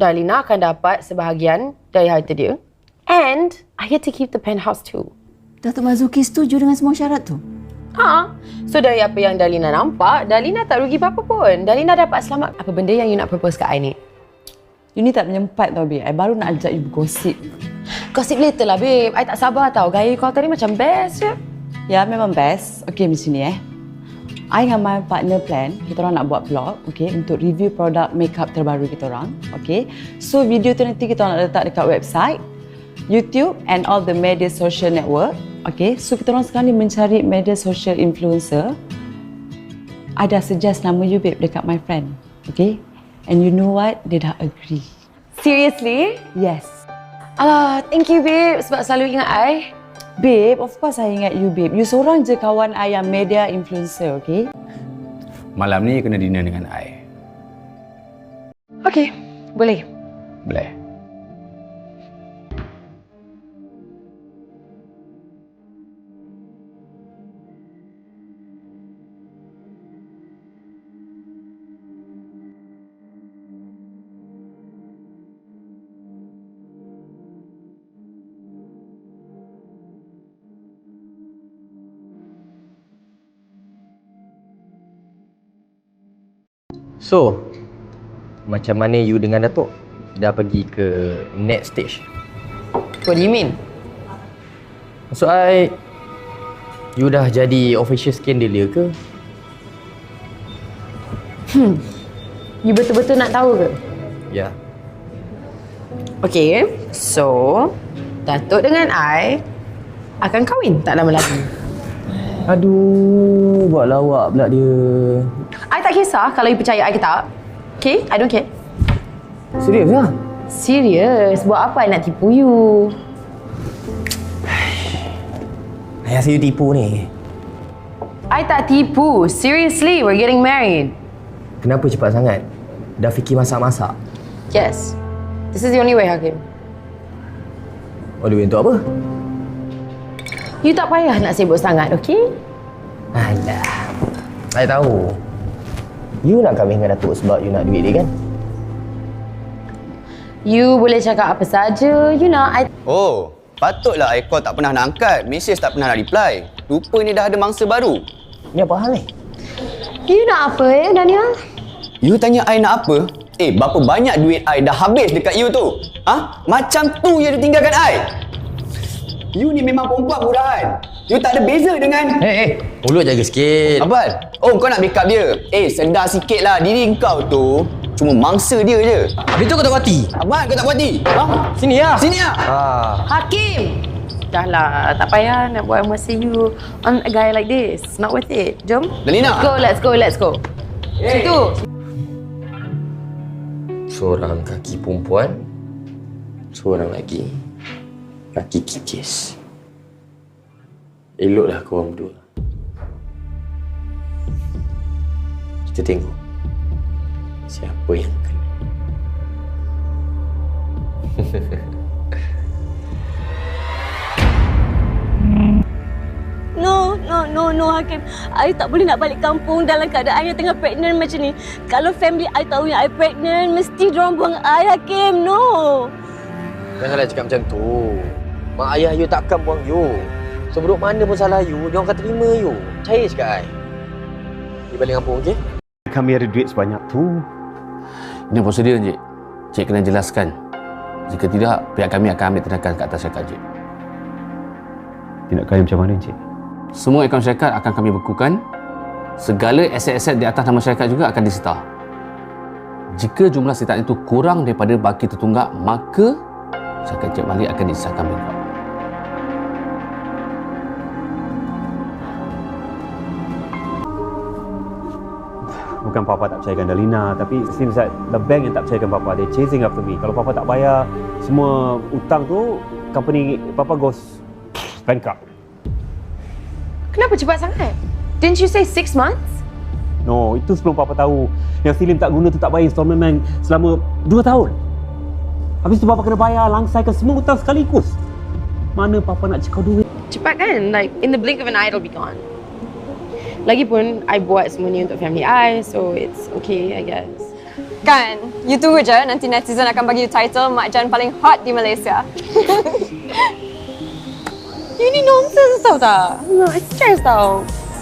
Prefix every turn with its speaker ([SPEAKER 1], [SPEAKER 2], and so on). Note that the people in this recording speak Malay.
[SPEAKER 1] Darlina akan dapat sebahagian dari harta dia. And I get to keep the penthouse too.
[SPEAKER 2] Datuk Marzuki setuju dengan semua syarat tu?
[SPEAKER 1] So dari apa yang Darlina nampak, Darlina tak rugi apa-apa pun. Darlina dapat selamat. Apa benda yang you nak propose kat I ni?
[SPEAKER 3] You ni tak menyempat tau, babe. I baru nak ajak you bergosip.
[SPEAKER 1] Gossip later lah, babe. I tak sabar tau. Gaya kau tadi macam best je.
[SPEAKER 3] Ya, memang best. Okay, macam ni I dengan my partner plan, kita orang nak buat vlog, okay, untuk review produk makeup terbaru kita orang, okay. So, video tu nanti kita orang nak letak dekat website, YouTube and all the media social network, okay. So, kita orang sekarang ni mencari media social influencer. I dah suggest nama you, babe, dekat my friend, okay. And you know what? Dia dah agree.
[SPEAKER 1] Seriously?
[SPEAKER 3] Yes.
[SPEAKER 1] Alah, thank you, babe, sebab selalu ingat I.
[SPEAKER 3] Babe, of course I ingat you, babe. You seorang je kawan I yang media influencer, okay?
[SPEAKER 4] Malam ni kena dinner dengan I.
[SPEAKER 1] Okay, boleh.
[SPEAKER 4] Boleh.
[SPEAKER 5] So, macam mana you dengan Datuk? Dah pergi ke next stage?
[SPEAKER 1] What do you mean?
[SPEAKER 5] Maksud I, you dah jadi official scandalia ke?
[SPEAKER 1] You betul-betul nak tahu ke?
[SPEAKER 5] Ya.
[SPEAKER 1] Okay, so Datuk dengan I akan kahwin tak lama lagi.
[SPEAKER 5] Aduh, buat lawak pula dia.
[SPEAKER 1] I tak kisah kalau you percaya I ke tak. Okay, I don't care.
[SPEAKER 5] Serius lah?
[SPEAKER 1] Serius, buat apa I nak tipu you?
[SPEAKER 5] I rasa you tipu ni.
[SPEAKER 1] I tak tipu. Seriously, we're getting married.
[SPEAKER 5] Kenapa cepat sangat? Dah fikir masak-masak?
[SPEAKER 1] Yes. This is the only way, Hakim.
[SPEAKER 5] All the way untuk apa?
[SPEAKER 1] You tak payah nak sibuk sangat, okay?
[SPEAKER 5] Alah, I tahu. You nak kahwin dengan Datuk sebab you nak duit dia kan?
[SPEAKER 1] You boleh cakap apa saja. You nak,
[SPEAKER 6] Oh, patutlah I call tak pernah nak angkat. Message tak pernah nak reply. Rupanya dah ada mangsa baru.
[SPEAKER 5] Ni apa hal ni?
[SPEAKER 1] You nak apa Daniel?
[SPEAKER 6] You tanya I nak apa? Berapa banyak duit I dah habis dekat you tu? Macam tu you tinggalkan I? You ni memang perempuan murahan. You tak ada beza dengan...
[SPEAKER 5] Mulut jaga sikit.
[SPEAKER 6] Abang, kau nak backup dia? Sedar sikit lah. Diri kau tu cuma mangsa dia je.
[SPEAKER 5] Habis tu kau tak puati?
[SPEAKER 6] Abang, kau tak puati?
[SPEAKER 5] Sini lah.
[SPEAKER 6] Sini lah.
[SPEAKER 1] Hakim! Dah lah, tak payah nak buat emosi you on a guy like this. Not worth it. Jom.
[SPEAKER 6] Dalina.
[SPEAKER 1] Let's go. Situ.
[SPEAKER 5] Seorang kaki perempuan, seorang lagi kaki kikis. Eloklah korang berdua. Kita tengok siapa yang kena.
[SPEAKER 7] No, Hakim. I tak boleh nak balik kampung dalam keadaan yang tengah pregnant macam ni. Kalau family I tahu yang I pregnant, mesti diorang buang I, Hakim. No.
[SPEAKER 5] Janganlah cakap macam tu. Mak ayah you takkan buang you. Seburuk mana pun salah you, diorang akan terima you. Percaya cakap I. Pergi balik kampung, okey?
[SPEAKER 8] Kami ada duit sebanyak tu.
[SPEAKER 4] Ini prosedur, Encik. Cik kena jelaskan. Jika tidak, pihak kami akan ambil tindakan ke atas syarikat, Encik.
[SPEAKER 8] Tindakan macam mana, Encik?
[SPEAKER 4] Semua akaun syarikat akan kami bekukan. Segala aset-aset di atas nama syarikat juga akan disita. Jika jumlah sitaan itu kurang daripada baki tertunggak, maka syarikat Encik Malik akan disahkan bankrupt.
[SPEAKER 8] Bukan Papa tak percayakan Dalina, tapi it seems that the bank yang tak percayakan Papa. They chasing after me. Kalau Papa tak bayar semua hutang tu, company Papa goes bankrupt.
[SPEAKER 1] Kenapa cepat sangat? Didn't you say 6 months?
[SPEAKER 8] No, itu sebelum Papa tahu yang Selim tak guna tu tak bayar installment bank selama 2 tahun. Habis tu Papa kena bayar langsaikan semua hutang sekaligus. Mana Papa nak cekau duit?
[SPEAKER 1] Cepat kan? Like, in the blink of an eye, it'll be gone. Lagipun, I buat semua ni untuk family I, so it's okay, I guess.
[SPEAKER 9] Kan? You tunggu je, nanti netizen akan bagi you title Mak Jan paling hot di Malaysia.
[SPEAKER 1] Ini nonsense tau tak? No, it's stress tau.